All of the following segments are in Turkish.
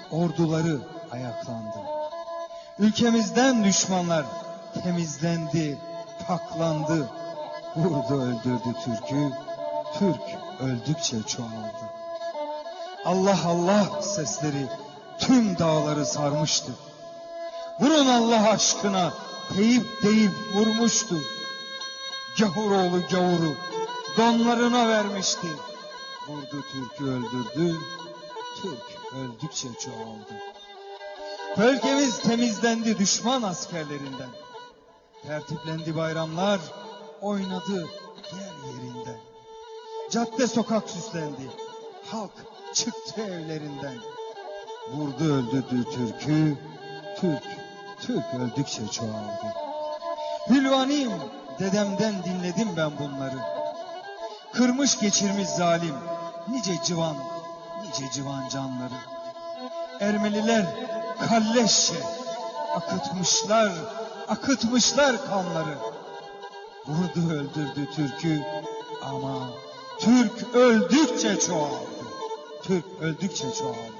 orduları ayaklandı. Ülkemizden düşmanlar temizlendi, paklandı. Vurdu öldürdü Türk'ü, Türk öldükçe çoğaldı. Allah Allah sesleri tüm dağları sarmıştı. Vurun Allah aşkına deyip vurmuştu. Gavuroğlu gavuru donlarına vermişti. Vurdu Türk'ü öldürdü, Türk öldükçe çoğaldı. Bölgemiz temizlendi düşman askerlerinden. Tertiplendi bayramlar, oynadı yer yerinden. Cadde sokak süslendi, halk çıktı evlerinden. Vurdu öldürdü Türk'ü, Türk öldükçe çoğaldı. Hülvaniyim, dedemden dinledim ben bunları. Kırmış geçirmiş zalim, nice civan canları. Ermeniler kalleşçe akıtmışlar kanları. Vurdu öldürdü Türk'ü ama Türk öldükçe çoğaldı. Türk öldükçe çoğaldı.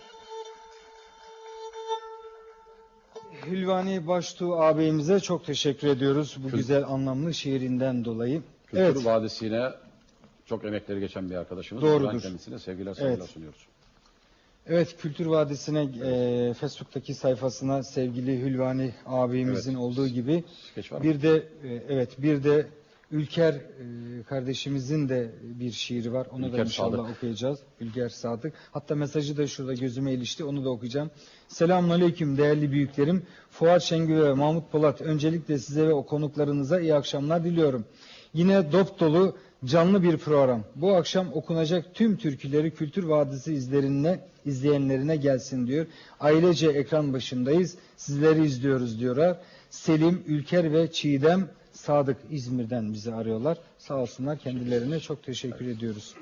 Hülvani Baştuğ ağabeyimize çok teşekkür ediyoruz bu güzel anlamlı şiirinden dolayı. Kültür Vadisi'ne çok emekleri geçen bir arkadaşımız. Doğrudur. Kendisine sevgiler saygılar sunuyoruz. Evet, Kültür Vadisi'ne Facebook'taki sayfasına sevgili Hülvani ağabeyimizin olduğu gibi bir de Ülker kardeşimizin de bir şiiri var. Onu da inşallah okuyacağız. Ülker Sadık. Hatta mesajı da şurada gözüme ilişti. Onu da okuyacağım. Selamünaleyküm değerli büyüklerim. Fuat Şengül ve Mahmut Polat. Öncelikle size ve o konuklarınıza iyi akşamlar diliyorum. Yine dop dolu canlı bir program. Bu akşam okunacak tüm türküleri Kültür Vadisi izleyenlerine gelsin diyor. Ailece ekran başındayız. Sizleri izliyoruz diyorlar. Selim, Ülker ve Çiğdem Sadık İzmir'den bizi arıyorlar. Sağ olsunlar, kendilerine çok teşekkür ediyoruz.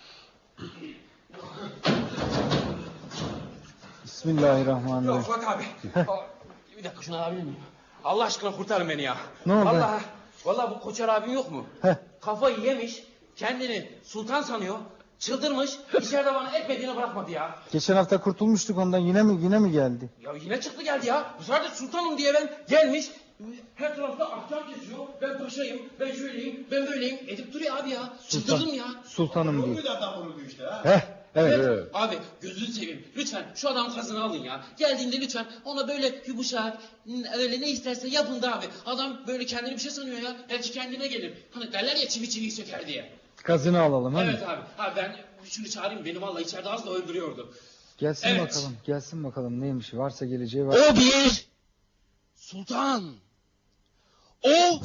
Bismillahirrahmanirrahim. Yok Fuat abi. Bir dakika şunu alabilir miyim? Allah aşkına kurtarın beni ya. Ne oldu? Vallahi bu Koçer abim yok mu? Kafayı yemiş, kendini sultan sanıyor, çıldırmış, içeride bana etmediğini bırakmadı ya. Geçen hafta kurtulmuştuk ondan, yine mi geldi? Ya yine çıktı geldi ya. Bu sefer de sultanım diye gelmiş. Her tarafta ahkam kesiyor. Ben paşayım, ben şöyleyim, ben böyleyim. Edip duruyor abi ya. Çıldırdım ya. Sultanım diyor. Evet. Abi gözünü seveyim. Lütfen şu adamın kazını alın ya. Geldiğinde lütfen ona böyle yumuşak, öyle ne isterse yapın da abi. Adam böyle kendini bir şey sanıyor ya. Belki kendine gelir. Hani derler ya çivi çiviyi söker diye. Kazını alalım. Evet abi. Abi ben şunu çağırayım. Beni vallahi içeride az da öldürüyordu. Gelsin bakalım neymiş. Varsa geleceği var. O bir sultan. O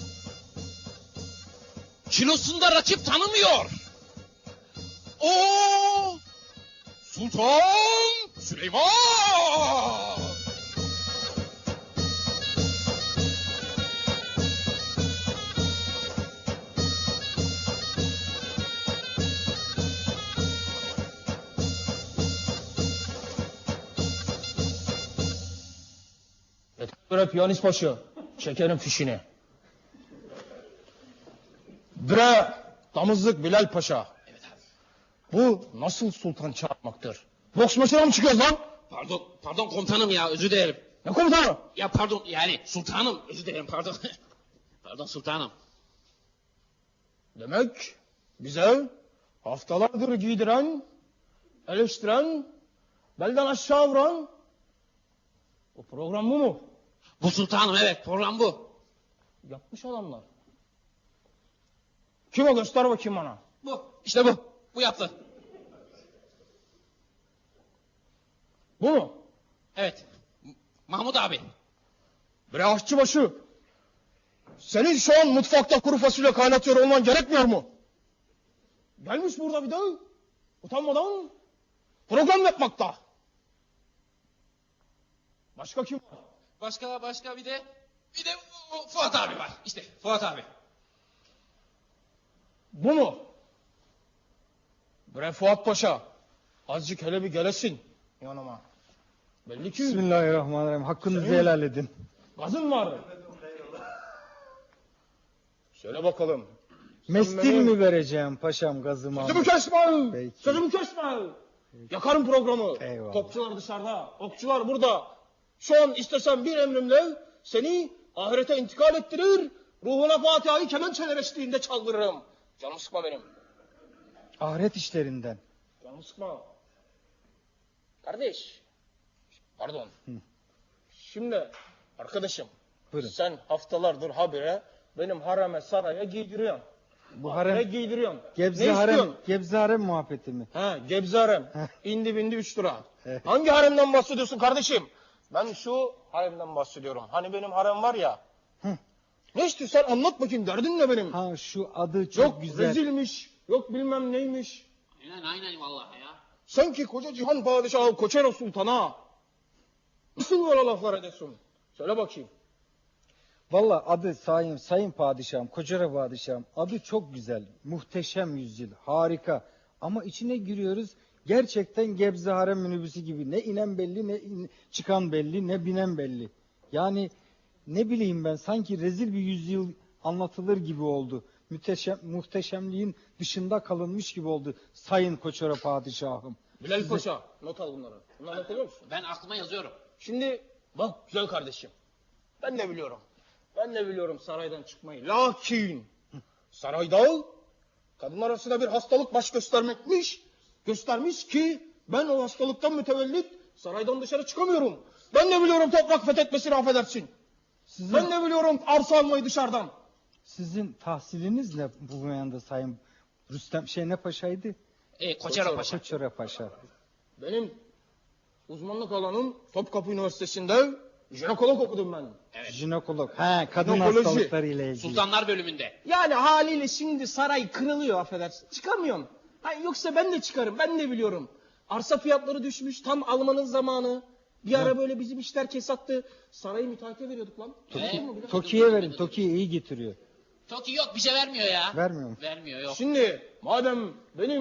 kilosunda rakip tanımıyor. O Sultan Süleyman. Bre piyanist başı, çekerim fişini. Bre damızlık Bilal Paşa. Evet abi. Bu nasıl sultan çağırmaktır? Boks maçına mı çıkıyoruz lan? Pardon komutanım ya, özür dilerim. Ne komutanı? Ya pardon, yani sultanım, özür dilerim, pardon. Pardon sultanım. Demek bize haftalardır giydiren, eleştiren, belden aşağı vuran o program bu mu? Bu sultanım, evet, program bu. Yapmış adamlar. Kim o, göster bakayım bana. Bu, işte bu. Bu yaptı. Bu mu? Evet. Mahmut abi. Bre aşçıbaşı. Senin şu an mutfakta kuru fasulye kaynatıyor olman gerekmiyor mu? Gelmiş burada bir de utanmadan program yapmakta. Başka kim var? Başka bir de Fuat abi var. İşte Fuat abi. Bu mu? Bre Fuat Paşa. Azıcık hele bir gelesin yanıma. Belli ki... Bismillahirrahmanirrahim. Hakkınızı helal edin. Gazın var. Söyle bakalım. Mestil mi vereceğim paşam gazımı? Sözümü kesme. Peki. Sözümü kesme. Yakarım programı. Eyvallah. Topçular dışarıda, okçular burada. Şu an istesem bir emrimle seni ahirete intikal ettirir, ruhuna Fatiha'yı kemençeler eşliğinde çaldırırım. Canım sıkma benim. Ahiret işlerinden. Canım sıkma. Kardeş. Pardon. Şimdi arkadaşım. Buyurun. Sen haftalardır habire benim hareme saraya giydiriyorsun. Bu Ne harem, giydiriyorsun? Gebze ne harem, istiyorsun? Gebze harem muhabbeti mi? Ha, Gebze harem. İndi bindi 3 lira. Evet. Hangi haremden bahsediyorsun kardeşim? Ben şu haremden bahsediyorum. Hani benim harem var ya. Ne istiyorsan anlat bakayım, derdin ne benim? Ha şu adı çok Yok güzel. rezilmiş, yok bilmem neymiş. Aynen vallahi ya. Sanki koca cihan padişahı Koçero Sultan'a. Nasıl böyle laflar ediyorsun? Söyle bakayım. Valla adı sayın padişahım, Koçera padişahım. Adı çok güzel. Muhteşem yüzyıl. Harika. Ama içine giriyoruz. Gerçekten Gebze harem minibüsü gibi. Ne inen belli, ne çıkan belli, ne binen belli. Yani ne bileyim ben, sanki rezil bir yüzyıl anlatılır gibi oldu. Muhteşemliğin dışında kalınmış gibi oldu sayın Koçera padişahım. Bilal Paşa, not al bunları. Bunları not alıyor musun? Ben aklıma yazıyorum. Şimdi bak güzel kardeşim. Ben de biliyorum. Ben de biliyorum saraydan çıkmayı. Lakin sarayda kadınlar arasında bir hastalık baş göstermekmiş. Göstermiş ki ben o hastalıktan mütevellit saraydan dışarı çıkamıyorum. Ben de biliyorum toprak fethetmesini affedersin. Ben de biliyorum arsa almayı dışarıdan. Sizin tahsiliniz ne bu meyanda sayın Rüstem ne paşaydı? Koçero Paşa. Koçera Paşa. Benim uzmanlık alanım Topkapı Üniversitesi'nde jinekolog okudum ben. Jinekolog. He, kadın Jinekoloji. hastalıkları ile ilgili. Sultanlar bölümünde. Yani haliyle şimdi saray kırılıyor affedersin. Çıkamıyorum. Yoksa ben de çıkarım. Ben de biliyorum. Arsa fiyatları düşmüş. Tam almanın zamanı. Bir ara böyle bizim işler kesattı. Sarayı müteahhite veriyorduk lan. Toki'ye verin. Toki iyi getiriyor. Toki yok, bir şey vermiyor ya. Vermiyor mu? Vermiyor, yok. Şimdi madem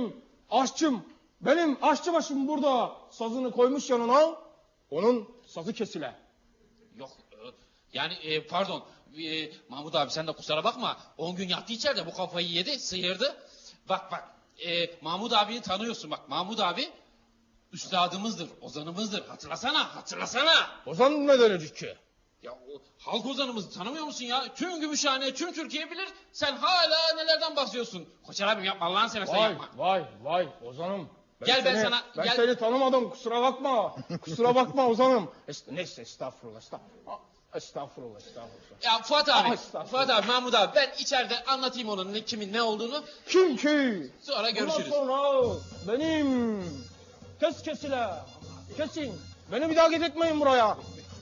benim aşçıbaşım burada sazını koymuş yanına, onun sazı kesile. Yok. Yani pardon. Mahmut abi sen de kusura bakma. 10 gün yattı içeride, bu kafayı yedi, sıyırdı. Bak. Mahmut abiyi tanıyorsun bak. Mahmut abi üstadımızdır, ozanımızdır. Hatırlasana. Ozan ne denecek ki? Ya o halk ozanımızı tanımıyor musun ya? Tüm Gümüşhane, tüm Türkiye bilir. Sen hala nelerden bahsediyorsun? Koçer abim yapma, Allah'ını seversen yapma. Vay Ozanım. Gel ben seni- sana- Ben gel- seni tanımadım, kusura bakma. Kusura bakma Ozanım. Neyse estağfurullah. Estağfurullah. Ya Fuat abi, Estağfurullah. Fuat abi, Mahmut abi, ben içeride anlatayım onun kimin ne olduğunu. Kim ki? Sonra görüşürüz. Bundan sonra benim kesile. Kesin. Beni bir daha getirtmeyin buraya.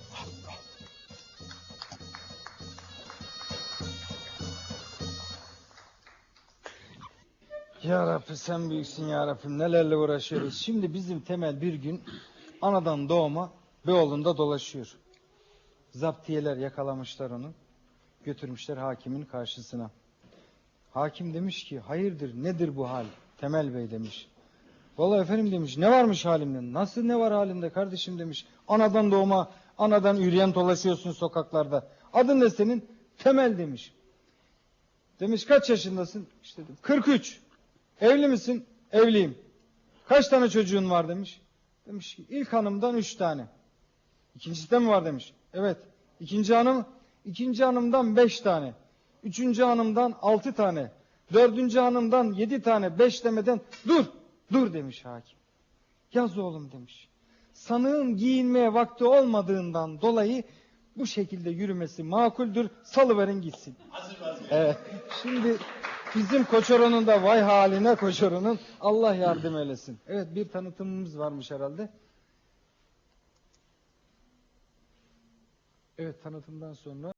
Ya Rabbi sen büyüksün ya Rabbim, nelerle uğraşıyoruz. Şimdi bizim Temel bir gün anadan doğma Beyoğlu'nda dolaşıyor. Zaptiyeler yakalamışlar onu. Götürmüşler hakimin karşısına. Hakim demiş ki hayırdır, nedir bu hal? Temel Bey demiş. Vallahi efendim demiş, ne varmış halimde? Nasıl ne var halimde kardeşim demiş. Anadan doğma, anadan üreyen dolaşıyorsun sokaklarda. Adın ne senin? Temel demiş. Demiş kaç yaşındasın? İşte dedim, 43. Evli misin? Evliyim. Kaç tane çocuğun var demiş. Demiş ki ilk hanımdan 3 tane. İkincisi de mi var demiş. Evet. İkinci hanımdan 5 tane. Üçüncü hanımdan 6 tane. Dördüncü hanımdan 7 tane. 5 demeden dur demiş hakim. Yaz oğlum demiş. Sanığın giyinmeye vakti olmadığından dolayı bu şekilde yürümesi makuldür. Salıverin gitsin. Evet. Şimdi bizim Koçoro'nun da vay haline Koçoro'nun, Allah yardım eylesin. Evet, bir tanıtımımız varmış herhalde. Evet, tanıtımdan sonra